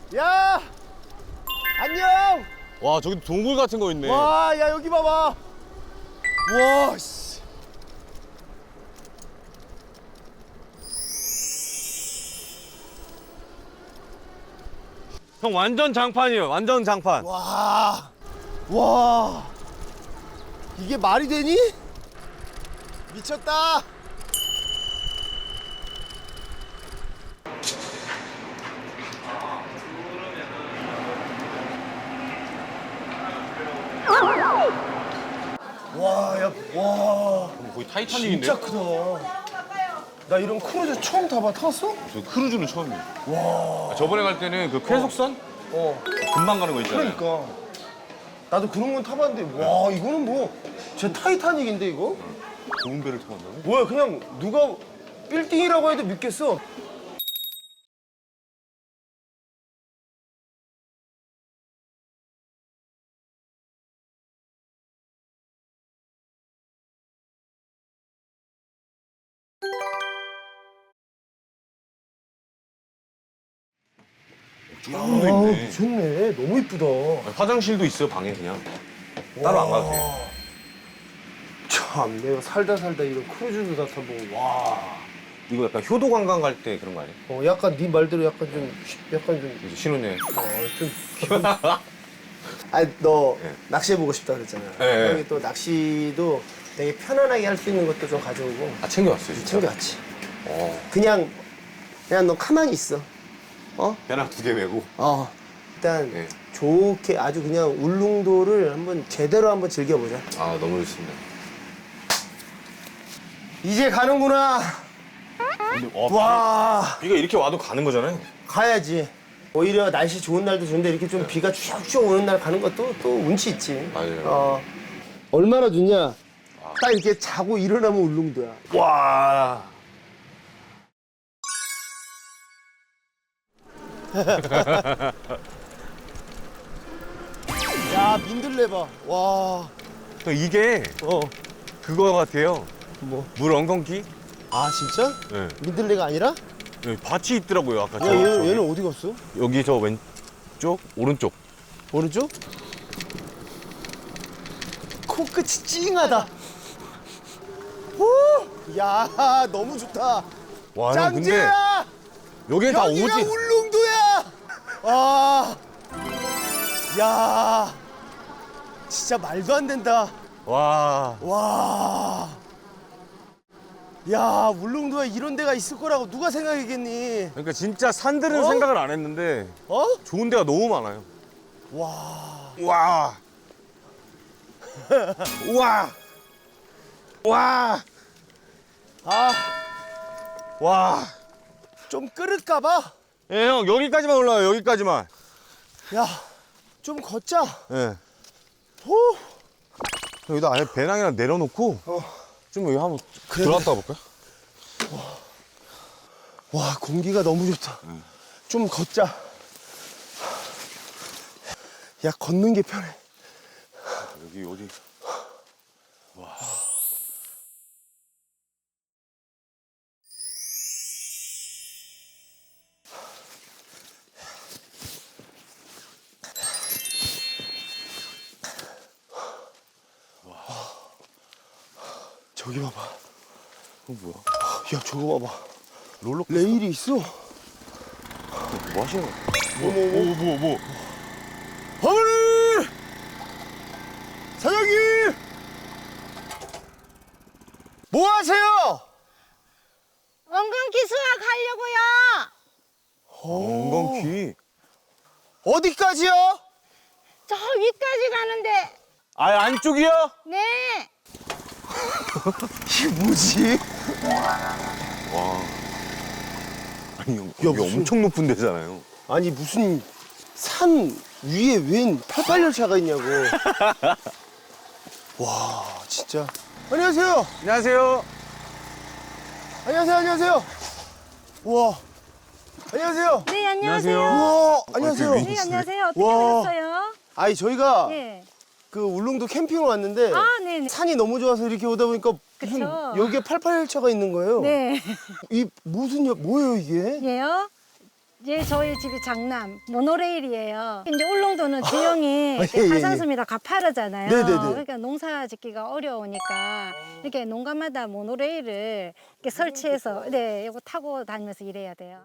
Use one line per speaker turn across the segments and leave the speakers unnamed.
야! 안녕!
와, 저기 동굴 같은 거 있네.
와, 야, 여기 봐봐. 와, 씨.
형 완전 장판이에요. 완전 장판.
와. 와. 이게 말이 되니? 미쳤다. 와, 야, 와.
거의 타이타닉인데?
진짜 크다. 나 이런 크루즈 처음 타봐. 탔어?
저 크루즈는 처음이에요. 와. 저번에 갈 때는 그 쾌속선? 금방 가는 거 있잖아요.
그러니까. 나도 그런 건 타봤는데, 와, 이거는 뭐, 진짜 타이타닉인데, 이거?
좋은 배를 타봤나요?
뭐야, 그냥 누가 빌딩이라고 해도 믿겠어.
도 있네.
미쳤네. 너무 이쁘다.
화장실도 있어요, 방에 그냥. 따로 안 가도 돼요.
참, 내가 살다 이런 크루즈도 다 타보고, 와.
이거 약간 효도 관광 갈 때 그런 거 아니에요?
약간 네 말대로 약간 좀,
이제 신혼여행.
좀. 아니, 너
네.
낚시해보고 싶다 그랬잖아.
네.
형이 또 낚시도 되게 편안하게 할 수 있는 것도 좀 가져오고.
아, 챙겨왔어요, 진짜?
챙겨왔지.
어.
그냥 너 가만히 있어.
배낭 2개 메고.
일단
네.
좋게 아주 그냥 울릉도를 한번 제대로 한번 즐겨보자.
아, 너무 좋습니다.
이제 가는구나.
근데,
와,
비가 이렇게 와도 가는 거잖아요.
가야지. 오히려 날씨 좋은 날도 좋은데 이렇게 좀 비가 쭉쭉 오는 날 가는 것도 또 운치 있지.
맞아요.
얼마나 좋냐? 딱 이렇게 자고 일어나면 울릉도야.
와.
야, 민들레 봐. 와.
이게 그거 같아요.
뭐?
물 엉겅퀴?
아, 진짜?
네.
민들레가 아니라?
여기 밭이 있더라고요, 아까.
야, 얘는 어디 갔어?
여기 저 왼쪽, 오른쪽.
오른쪽? 코끝이 찡하다. 오! 야, 너무 좋다.
와, 형 근데
짱지야!
여기 다
여기가
오지.
울릉도야! 아, 야, 진짜 말도 안 된다.
와.
와, 야, 울릉도에 이런 데가 있을 거라고 누가 생각했겠니?
그러니까 진짜 산들은
어?
생각을 안 했는데 좋은 데가 너무 많아요.
와,
와. 와. 와.
아,
와.
좀 끓을까 봐.
예, 형 여기까지만 올라와요. 여기까지만.
야, 좀 걷자.
예.
후.
여기다 아예 배낭이랑 내려놓고 좀 여기 한번
그래.
들어갔다 볼까요?
와, 공기가 너무 좋다. 좀 걷자. 야, 걷는 게 편해.
여기 어디?
저기 봐봐.
뭐야?
야, 저거 봐봐.
롤러코스터?
레일이 있어.
뭐 하시는 거야?
뭐. 어머니! 사장님! 뭐 하세요?
엉겅퀴 수확하려고요.
엉겅퀴.
어디까지요?
저 위까지 가는데.
아, 안쪽이요?
네.
이게 뭐지?
아니, 여기
무슨-
엄청 높은 데잖아요.
아니, 무슨 산 위에 웬 88열차가 있냐고. 와, 진짜. 안녕하세요.
안녕하세요.
안녕하세요. 우와. 안녕하세요.
네, 안녕하세요.
우와, 안녕하세요.
아,
네, 안녕하세요. 어떻게
와.
오셨어요?
아니, 저희가
네.
그 울릉도 캠핑을 왔는데
아, 네네.
산이 너무 좋아서 이렇게 오다 보니까 무슨
그쵸.
여기에 88열차가 있는 거예요.
네.
이 무슨 뭐예요 이게?
예요?
이제 저희 집이 장남 모노레일이에요. 이제 울릉도는 지형이
예, 예.
가산섬이라 가파르잖아요.
네네네.
그러니까 농사 짓기가 어려우니까 이렇게 농가마다 모노레일을 이렇게 설치해서 네, 이거 타고 다니면서 일해야 돼요.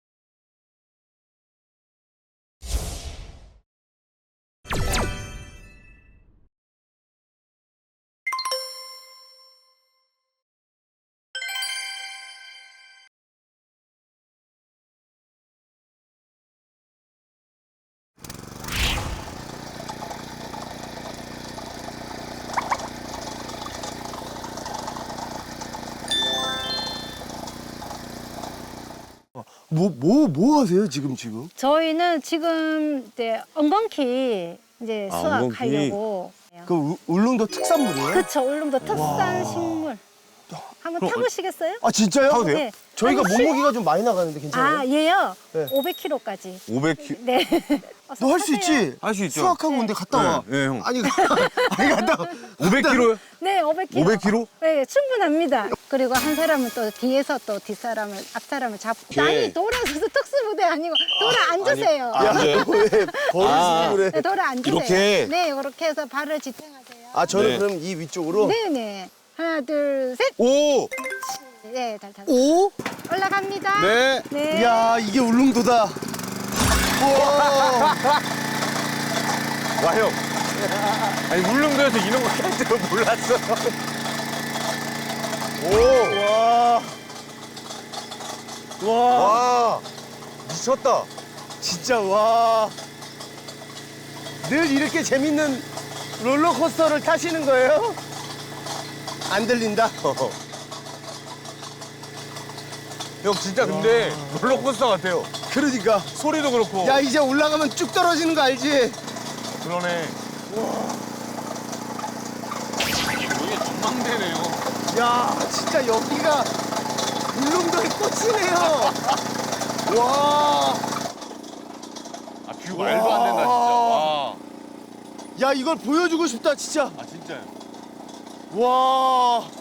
뭐 하세요 지금?
저희는 지금 이제 엉겅퀴 이제 수확하려고.
그 울릉도 특산물이에요?
그렇죠. 울릉도 특산 식물. 한번 타보시겠어요?
아 진짜요?
타도 돼요?
네.
저희가
아니,
몸무게가 좀 많이 나가는데 괜찮아요?
아, 얘요?
네.
500kg까지.
500kg.
네.
너 할 수 있지?
할 수 있죠.
수학하고 온데 갔다 와.
네, 형.
아니 갔다 와.
500kg요?
네, 500kg.
500kg?
네, 충분합니다. 그리고 한 사람은 또 뒤에서 또 뒷사람을, 앞사람을 잡고. 아니, 돌아서서 특수부대 아니고, 돌아 앉으세요.
야, 왜 버릇이 그래?
네, 돌아 앉으세요.
이렇게?
네, 이렇게 해서 발을 지탱하세요.
아 저는
네.
그럼 이 위쪽으로.
네네. 하나, 둘, 셋.
오!
네, 잘 타세요.
오?
올라갑니다.
네.
네.
야 이게 울릉도다. 우와.
와, 형. 아니, 울릉도에서 이런 거 할 줄 몰랐어. 오!
와. 와.
와! 미쳤다.
진짜 와. 늘 이렇게 재밌는 롤러코스터를 타시는 거예요? 안 들린다.
형, 진짜 근데 롤러코스터 같아요.
그러니까.
소리도 그렇고.
야 이제 올라가면 쭉 떨어지는 거 알지?
그러네. 이게 전망대네요.
야 진짜 여기가 울릉도의 꽃이네요. 와.
아, 뷰 말도 안 된다, 진짜. 와.
야 이걸 보여주고 싶다 진짜.
아, 진짜요.
와.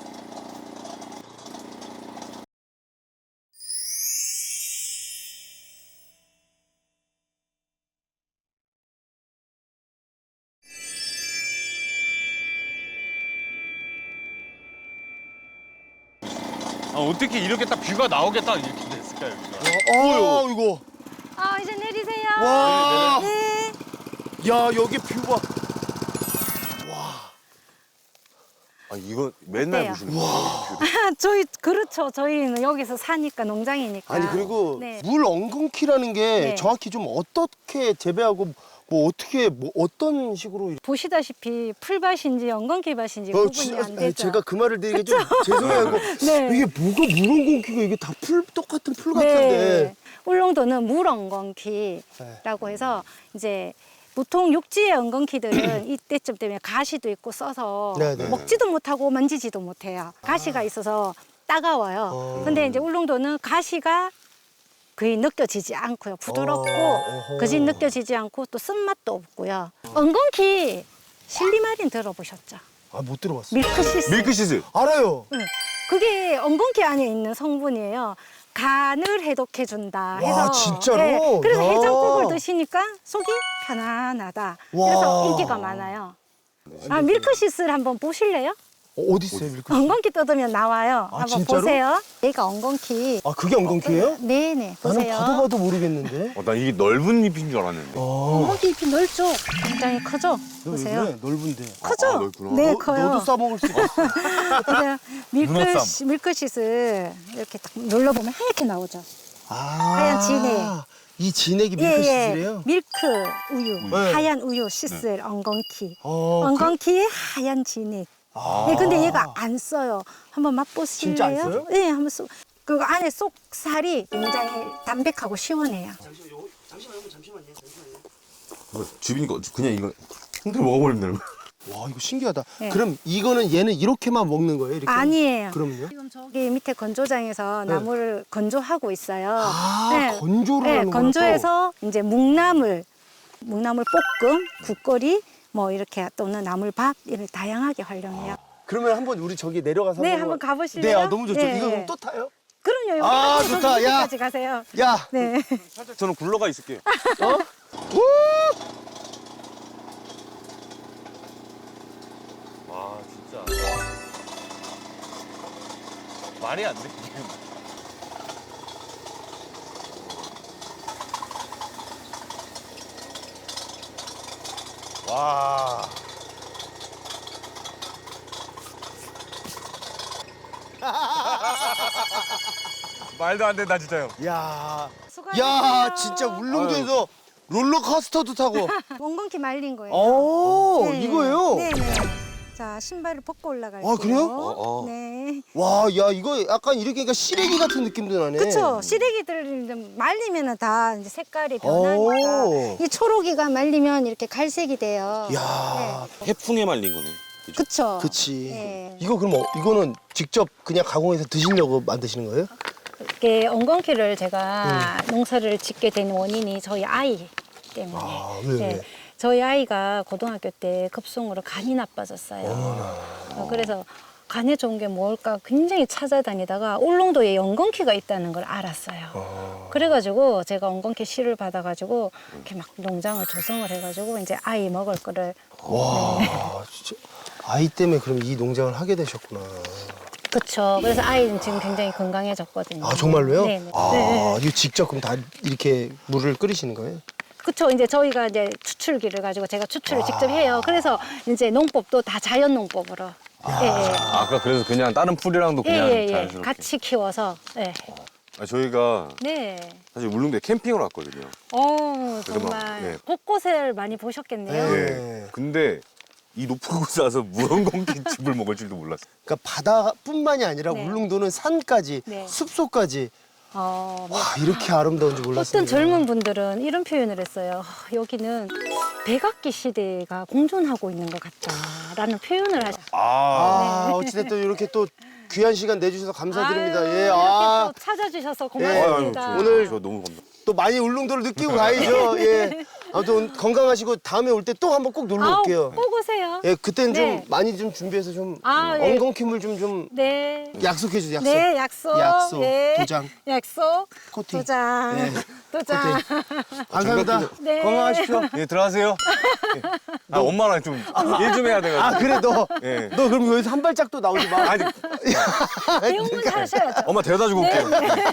아, 어떻게 이렇게 딱 뷰가 나오게 딱 이렇게 됐을까요, 여기가?
어 이거.
아, 이제 내리세요.
와.
네.
야 여기 뷰가.
아, 이거 맨날
어때요?
보시는 거예요?
저희, 그렇죠. 저희는 여기서 사니까, 농장이니까.
아니 그리고
네.
물 엉겅퀴라는 게
네.
정확히 좀 어떻게 재배하고 뭐 어떻게 뭐 어떤 식으로
보시다시피 풀밭인지 엉겅퀴밭인지 구분이 안 되죠.
제가 그 말을 되게 좀 죄송해요.
네.
이게 뭐가 물 엉겅퀴가 이게 다 풀 똑같은 풀 같은데.
네. 울릉도는 물 엉겅퀴라고 해서 이제 보통 육지의 엉겅퀴들은 이때쯤 되면 가시도 있고 써서
네네.
먹지도 못하고 만지지도 못해요. 가시가 있어서 따가워요. 근데 이제 울릉도는 가시가 거의 느껴지지 않고요. 부드럽고
어허.
그지 느껴지지 않고 또 쓴맛도 없고요. 엉겅퀴 실리마린 들어보셨죠?
아 못 들어봤어요.
밀크시스.
밀크시슬.
알아요.
네. 그게 엉겅퀴 안에 있는 성분이에요. 간을 해독해준다 해서.
와, 진짜로?
그래서
야.
해장국을 드시니까 속이 편안하다.
와.
그래서 인기가 많아요. 아, 밀크시스를 한번 보실래요?
어디 있어요 밀크시스?
엉겅퀴 뜯으면 나와요.
아,
한번
진짜로?
보세요. 얘가 엉겅퀴.
아 그게 엉겅퀴예요?
네네.
나는
보세요.
봐도 모르겠는데.
난 이게 넓은 잎인 줄 알았는데.
엉겅퀴 잎이 넓죠? 굉장히 크죠? 보세요.
왜 넓은데.
크죠?
아, 넓구나.
네,
너,
커요.
너도 싸먹을 수 있어.
그래서
문어쌈.
밀크시스 이렇게 딱 눌러보면 하얗게 나오죠.
아,
하얀 진액.
이 진액이 밀크시슬이에요?
밀크 우유,
네.
하얀 우유 시슬 엉겅퀴.
어,
엉겅퀴의 하얀 진액.
아.
네, 근데 얘가 안 써요. 한번 맛보실래요?
진짜 안 써요?
네, 한번 써. 그 안에 속살이 굉장히 담백하고 시원해요.
집이니까 그냥 이거 흔들어 먹어버리면 되는 거야.
와 이거 신기하다.
네.
그럼 이거는 얘는 이렇게만 먹는 거예요? 이렇게?
아니에요.
그럼요?
지금 저기 밑에 건조장에서 나무를 건조하고 있어요.
아, 건조를 하는구나,
건조해서 이제 묵나물 볶음, 국거리 뭐 이렇게 또는 나물밥 이를 다양하게 활용해요.
그러면 한번 우리 저기 내려가서
네, 한번 가보실래요?
네, 아, 너무 좋죠.
네.
이거 그럼 또 타요?
그럼요. 여기
아,
저기
좋다. 야.
여기까지 가세요.
야.
네.
저는 굴러가 있을게요. 와 진짜 말이 안 돼. 와. 말도 안 된다 진짜요.
야.
수고하셨어요.
야, 진짜 울릉도에서 롤러코스터도 타고.
원건키 말린 거예요.
오,
네.
이거예요?
네네. 자, 신발을 벗고 올라갈게요.
아, 그래요?
네.
와, 야, 이거 약간 이렇게 그러니까 시래기 같은 느낌도 나네.
그쵸. 시래기들 이제 말리면 다 이제 색깔이 변하니까.
오.
이 초록이가 말리면 이렇게 갈색이 돼요.
야,
해풍에 말린 거네.
그쵸.
그치.
네.
이거 그럼 이거는 직접 그냥 가공해서 드시려고 만드시는 거예요?
이게 엉겅퀴를 제가 농사를 짓게 된 원인이 저희 아이 때문에.
아, 왜?
저희 아이가 고등학교 때 급성으로 간이 나빠졌어요. 그래서 간에 좋은 게 뭘까 굉장히 찾아다니다가 울릉도에 엉겅퀴가 있다는 걸 알았어요. 그래가지고 제가 엉겅퀴 씨를 받아가지고 이렇게 막 농장을 조성을 해가지고 이제 아이 먹을 거를.
와, 진짜. 아이 때문에 그럼 이 농장을 하게 되셨구나.
그렇죠. 그래서 아이는 지금 굉장히 건강해졌거든요.
아, 정말로요?
네네.
아,
네.
이거 직접 그럼 다 이렇게 물을 끓이시는 거예요?
그렇죠. 이제 저희가 이제 추출기를 가지고 제가 추출을 직접 해요. 그래서 이제 농법도 다 자연 농법으로. 예, 예.
아까 그래서 그냥 다른 풀이랑도 그냥
예, 예, 예.
자연스럽게.
같이 키워서. 예.
아, 저희가
네.
사실 울릉도에 캠핑을 왔거든요.
어,
그래도 막,
정말
예.
곳곳을 많이 보셨겠네요.
네.
예. 근데 이 높은 곳에 와서 무언공기 집을 먹을 줄도 몰랐어요.
그러니까 바다뿐만이 아니라
네.
울릉도는 산까지,
네.
숲속까지.
뭐
와, 이렇게 아름다운지 몰랐어요.
어떤 젊은 분들은 이런 표현을 했어요. 여기는 백악기 시대가 공존하고 있는 것 같다라는 표현을 하죠.
아, 어찌됐든 이렇게 또 귀한 시간 내주셔서 감사드립니다.
아유,
예,
이렇게
아,
또 찾아주셔서
예.
고맙습니다.
오늘
저 너무 감사.
또 많이 울릉도를 느끼고 가야죠. 예. 아무튼 건강하시고 다음에 올 때 또 한번 꼭 놀러 올게요.
꼭 오세요.
예, 그때는
네.
좀 많이 좀 준비해서 좀
예.
엉겅퀴물 좀
네.
약속해 주세요. 약속.
네, 약속.
약속.
예.
도장.
약속.
코팅.
도장.
네.
도장.
감사합니다.
네.
건강하십시오.
예, 들어가세요. 예. 아, 엄마랑 좀 일 좀 해야 돼가지고.
아, 그래 너.
예.
너 그럼 여기서 한 발짝도 나오지 마.
아니,
배웅은 하셔야죠.
엄마 데려다 주고 올게요.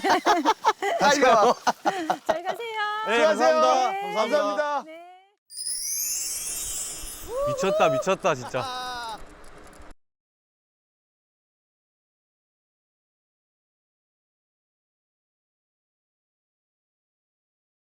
다시 가.
잘 가세요.
네,
수고하세요.
감사합니다.
감사합니다.
네.
미쳤다, 미쳤다, 진짜.